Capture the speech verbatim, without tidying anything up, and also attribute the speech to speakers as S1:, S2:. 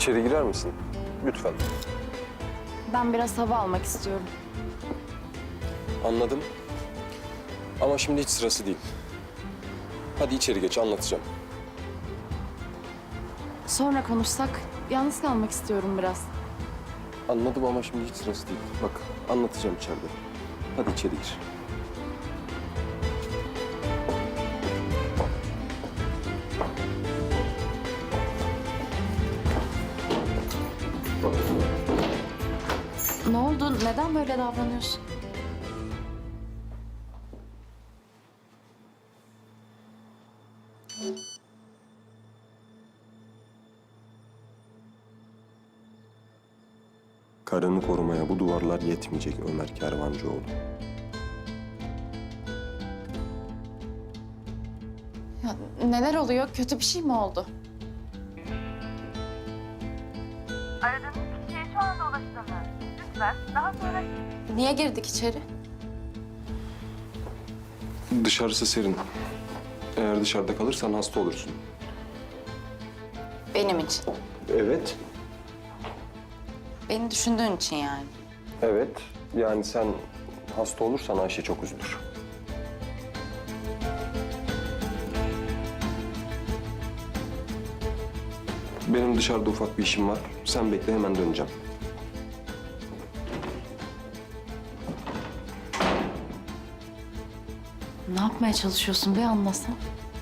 S1: İçeri girer misin? Lütfen.
S2: Ben biraz hava almak istiyorum.
S1: Anladım. Ama şimdi hiç sırası değil. Hadi içeri geç, anlatacağım.
S2: Sonra konuşsak, yalnız kalmak istiyorum biraz.
S1: Anladım ama şimdi hiç sırası değil. Bak, anlatacağım içeride. Hadi içeri gir.
S2: Ne oldu? Neden böyle davranıyorsun?
S1: Karını korumaya bu duvarlar yetmeyecek Ömer Kervancıoğlu.
S2: Ya, neler oluyor? Kötü bir şey mi oldu?
S3: Aradığınız kişiye şu anda ulaşılamıyor. Lütfen daha sonra...
S2: Niye girdik içeri?
S1: Dışarısı serin. Eğer dışarıda kalırsan hasta olursun.
S2: Benim için.
S1: Evet.
S2: Beni düşündüğün için yani.
S1: Evet. Yani sen hasta olursan Ayşe çok üzülür. Benim dışarıda ufak bir işim var. Sen bekle, hemen döneceğim.
S2: Ne yapmaya çalışıyorsun? Bir anlasam.